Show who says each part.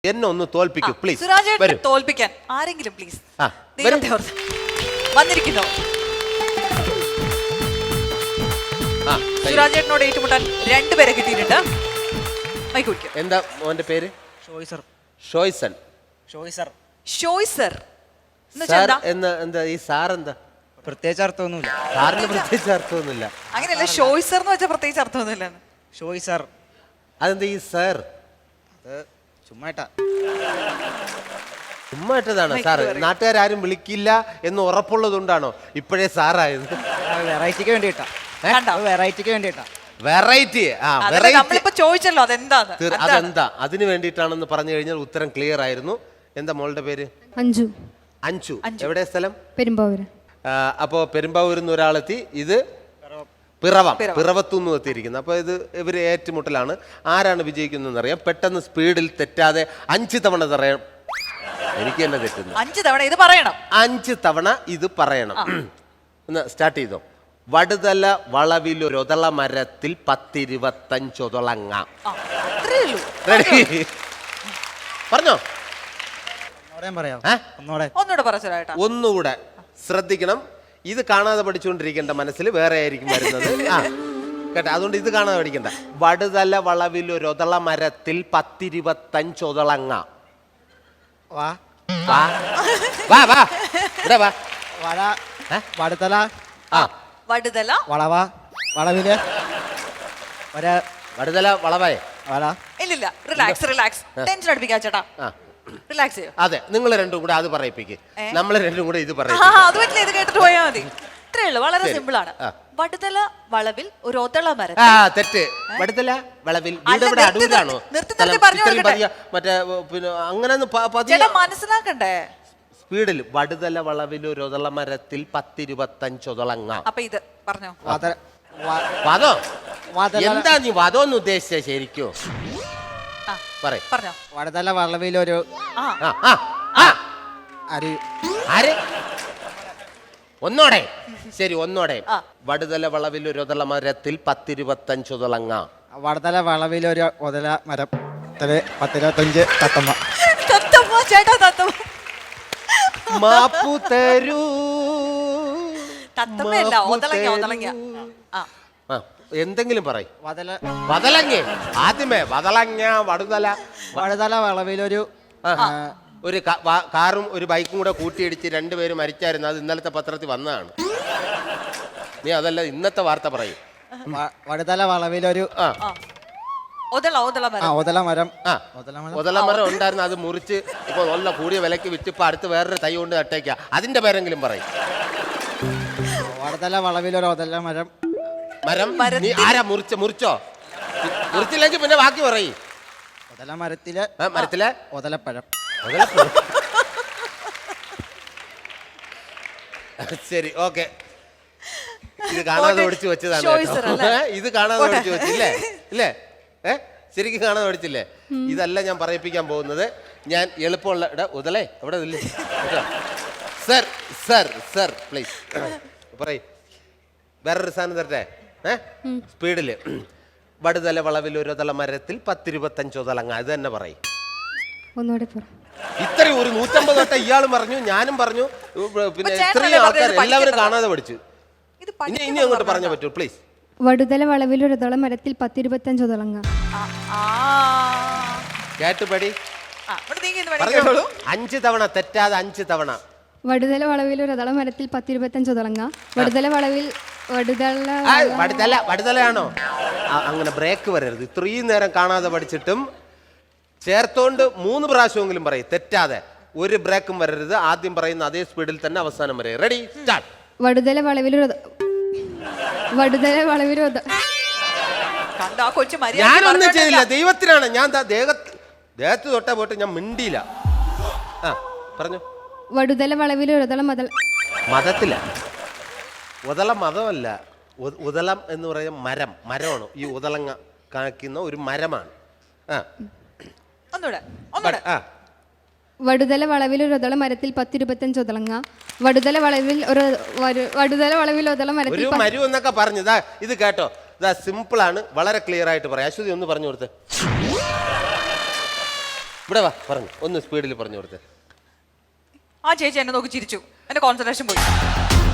Speaker 1: എന്നെ ഒന്ന് തോൽപ്പിക്കൂ പ്ലീസ്.
Speaker 2: സുരാജേട്ടനെ തോൽപ്പിക്കാൻ ആരെങ്കിലും പ്ലീസ് വന്നിരിക്കുന്നു. സുരാജേട്ടനോട് ഏറ്റുമുട്ടാൻ രണ്ടുപേരെ കിട്ടിയിട്ടുണ്ട്.
Speaker 1: എന്താ മോന്റെ പേര്? ഷോയ്സൺ. എന്താ ഈ സാർ എന്താ?
Speaker 3: പ്രത്യേകിച്ച് അർത്ഥമൊന്നുമില്ല.
Speaker 1: സാറിന് പ്രത്യേകിച്ച് അർത്ഥമൊന്നുമില്ല.
Speaker 2: അങ്ങനെയല്ല, ഷോയ്സർ എന്ന് വെച്ചാൽ പ്രത്യേകിച്ച് അർത്ഥമൊന്നുമില്ല.
Speaker 3: ഷോയ്സർ
Speaker 1: അതെന്താ ഈ സാർ? ചുമ്മായിട്ടതാണ് സാർ. നാട്ടുകാരും വിളിക്കില്ല എന്ന് ഉറപ്പുള്ളതുകൊണ്ടാണോ ഇപ്പോഴേ സാറായത്?
Speaker 3: വെറൈറ്റിക്ക് വേണ്ടിട്ടാ. വെറൈറ്റിക്ക് വേണ്ടിട്ടാ.
Speaker 1: വെറൈറ്റി
Speaker 2: ചോദിച്ചല്ലോ
Speaker 1: അതെന്താ അതിന് വേണ്ടിയിട്ടാണെന്ന് പറഞ്ഞു കഴിഞ്ഞാൽ ഉത്തരം ക്ലിയർ ആയിരുന്നു. എന്താ മോളുടെ പേര്?
Speaker 4: അഞ്ചു.
Speaker 1: അഞ്ചു. എവിടെ സ്ഥലം?
Speaker 4: പെരുമ്പാവൂര്.
Speaker 1: അപ്പോ പെരുമ്പാവൂരിൽ നിന്ന് ഒരാളെത്തി. ഇത് പിറവത്തുനിന്ന് എത്തിയിരിക്കുന്നത്. അപ്പോൾ ഇവർ ഏറ്റുമുട്ടലാണ്. ആരാണ് വിജയിക്കുന്നതെന്ന് അറിയാം. പെട്ടെന്ന് സ്പീഡിൽ തെറ്റാതെ 5 തവണ പറയാം. എനിക്ക് തന്നെ തെറ്റുന്നു.
Speaker 2: 5 തവണ ഇത് പറയണം.
Speaker 1: 5 തവണ ഇത് പറയണം. ഒന്ന് സ്റ്റാർട്ട് ചെയ്തോ. വടുതല വളവിലൊരൊതള മരത്തിൽ 10-25 ഒതളങ്ങ. പറഞ്ഞോ? ഒന്നുകൂടെ ശ്രദ്ധിക്കണം. ഇത് കാണാതെ പഠിച്ചുകൊണ്ടിരിക്കേണ്ട, മനസ്സിൽ വേറെ ആയിരിക്കും വരുന്നത്. കേട്ടോ, അതുകൊണ്ട് ഇത് കാണാതെ പഠിക്കണ്ട. വടുതല വളവിലൊരൊതള മരത്തിൽ 10-25 ഒതളങ്ങ.
Speaker 2: വടുതല
Speaker 1: വളവേ.
Speaker 2: ഇല്ലില്ല, റിലാക്സ്. ടെൻഷൻ അടുപ്പിക്കാ ചേട്ടാ. റിലാക്സ്.
Speaker 1: അതെ, നിങ്ങൾ രണ്ടും കൂടെ അത് പറയിപ്പിക്ക്. നമ്മൾ രണ്ടും കൂടെ ഇത് പറയും.
Speaker 2: അത് പറ്റില്ല, ഇത് കേട്ടിട്ട് പോയാൽ മതി. ഇത്രേ ഉള്ളൂ, വളരെ സിമ്പിൾ ആണ്. വടുതല വളവിൽ ഒരു ഒതള മരം.
Speaker 1: തെറ്റ്. വടുതല വളവിൽ അടൂരാണോ? മറ്റേ പിന്നെ അങ്ങനെ
Speaker 2: മനസ്സിലാക്കണ്ടേ
Speaker 1: സ്പീഡിൽ. വടുതല വളവിൽ ഒരു ഒതള മരത്തിൽ 10-25 ഒതളങ്ങ.
Speaker 2: അപ്പൊ ഇത് പറഞ്ഞോ.
Speaker 1: വധോ? എന്താ നീ വധോന്ന് ഉദ്ദേശിച്ച ശരിക്കും?
Speaker 2: പറഞ്ഞോ.
Speaker 3: വടുതല വളവിലൊരു
Speaker 1: ഒന്നോടെ. ശരി, ഒന്നോടെ. വടുതല വളവിൽ ഒരു ഒതള മരത്തിൽ 10-25 ഒതളങ്ങ.
Speaker 3: വടുതല വളവിലൊരു ഒതള മരം 10-25 തത്തമ്മ.
Speaker 2: ചേട്ടാ തത്തമ്മ.
Speaker 1: മാപ്പു തരൂ.
Speaker 2: തത്തമ്മയല്ല, ഒതളങ്ങ.
Speaker 1: എന്തെങ്കിലും പറയും. വതളങ്ങ. ആദ്യമേ വതളങ്ങ.
Speaker 3: വടുതല വളവിലൊരു
Speaker 1: ഒരു കാറും ഒരു ബൈക്കും കൂടെ കൂട്ടിയിടിച്ച് 2 പേര് മരിച്ചായിരുന്നു. അത് ഇന്നലത്തെ പത്രത്തിൽ വന്നതാണ്. നീ അതല്ല, ഇന്നത്തെ വാർത്ത പറയും.
Speaker 3: വടുതല വളവിലൊരു
Speaker 2: ഒതള മരം
Speaker 1: ഉണ്ടായിരുന്നു. അത് മുറിച്ച് ഇപ്പൊ നല്ല കൂടിയ വിലക്ക് വിറ്റ് ഇപ്പൊ അടുത്ത് വേറൊരു തൈ കൊണ്ട് നട്ടേക്ക. അതിന്റെ പേരെങ്കിലും പറയും.
Speaker 3: വടുതല വളവിലൊരു ഒതള മരം.
Speaker 1: നീ ആരാ മുറിച്ചോ? മുറിച്ചില്ലെങ്കിൽ പിന്നെ ബാക്കി പറയും.
Speaker 3: ഒതള മരത്തിലെ ഒതളപ്പഴം.
Speaker 1: ശരി, ഓക്കെ. ഇത് കാണാതെ ഓടിച്ചു വെച്ചതാണ്. ഇത് കാണാതെ ഓടിച്ചു വെച്ചില്ലേ? ഇല്ലേ? ശരിക്കും കാണാതെ ഓടിച്ചില്ലേ? ഇതല്ല ഞാൻ പറയിപ്പിക്കാൻ പോകുന്നത്. ഞാൻ എളുപ്പമുള്ള ഉദലേ എവിടെ സർ സർ സർ പ്ലീസ് പറയും. വേറൊരു സാധനം തരട്ടെ. സ്പീഡില്. വടുതല വളവിൽ ഒരു ഒതള മരത്തിൽ 10-25 ഒതളങ്ങ. ഇത് തന്നെ പറയും. ഇത്രയും ഒരു 150 തൊട്ട ഇയാളും പറഞ്ഞു, ഞാനും പറഞ്ഞു. പിന്നെ ഇത്രയും ആൾക്കാർ എല്ലാവരും കാണാതെ പഠിച്ചു. ഇനി അങ്ങോട്ട് പറഞ്ഞ പറ്റൂ പ്ലീസ്.
Speaker 4: വടുതല വളവിൽ ഒരു ഒതള മരത്തിൽ 10-25 ഒതളങ്ങ.
Speaker 1: കേട്ടുപടി. 5 തവണ തെറ്റാതെ 5 തവണ.
Speaker 4: വടുതല വളവിൽ ഒരു ഒതള മരത്തിൽ 10-25 ഒതളങ്ങ.
Speaker 1: വടുതലയാണോ? അങ്ങനെ ബ്രേക്ക് വരരുത്. ഇത്രയും നേരം കാണാതെ പഠിച്ചിട്ടും ചേർത്തോണ്ട് 3 പ്രാവശ്യമെങ്കിലും പറയും തെറ്റാതെ. ഒരു ബ്രേക്കും വരരുത്. ആദ്യം പറയുന്ന അതേ സ്പീഡിൽ തന്നെ അവസാനം വരെ. Ready, start.
Speaker 4: വടുതല വളവിൽ
Speaker 1: ഞാനൊന്നും ചെയ്തില്ല, ദൈവത്തിനാണ്. ഞാൻ ദേഹത്ത് തൊട്ടാ പോയിട്ട് ഞാൻ മിണ്ടിയില്ല. പറഞ്ഞു.
Speaker 4: വടുതല വളവിൽ
Speaker 1: മതത്തില. ഉദള മതമല്ല. ഉദളം എന്ന് പറയുന്ന മരമാണ്. ഈ ഉദളങ്ങ കാണിക്കുന്ന ഒരു മരമാണ്.
Speaker 4: വടുതല വളവിൽ ഒരു ഒതള മരത്തിൽ 10-25 ഒതളങ്ങ. വടുതല വളവിൽ ഒതള മരത്തിൽ
Speaker 1: മരു എന്നൊക്കെ പറഞ്ഞു. ഇത് കേട്ടോ, ഇതാ സിമ്പിൾ ആണ്, വളരെ ക്ലിയർ ആയിട്ട് പറയാം. അശ്വതി ഒന്ന് പറഞ്ഞു കൊടുത്ത്. ഇവിടെ വാ പറഞ്ഞു ഒന്ന് സ്പീഡിൽ പറഞ്ഞു കൊടുത്ത്.
Speaker 2: ആ ചേച്ചി എന്നെ നോക്കി ചിരിച്ചു, എന്റെ കോൺസെൻട്രേഷൻ പോയി.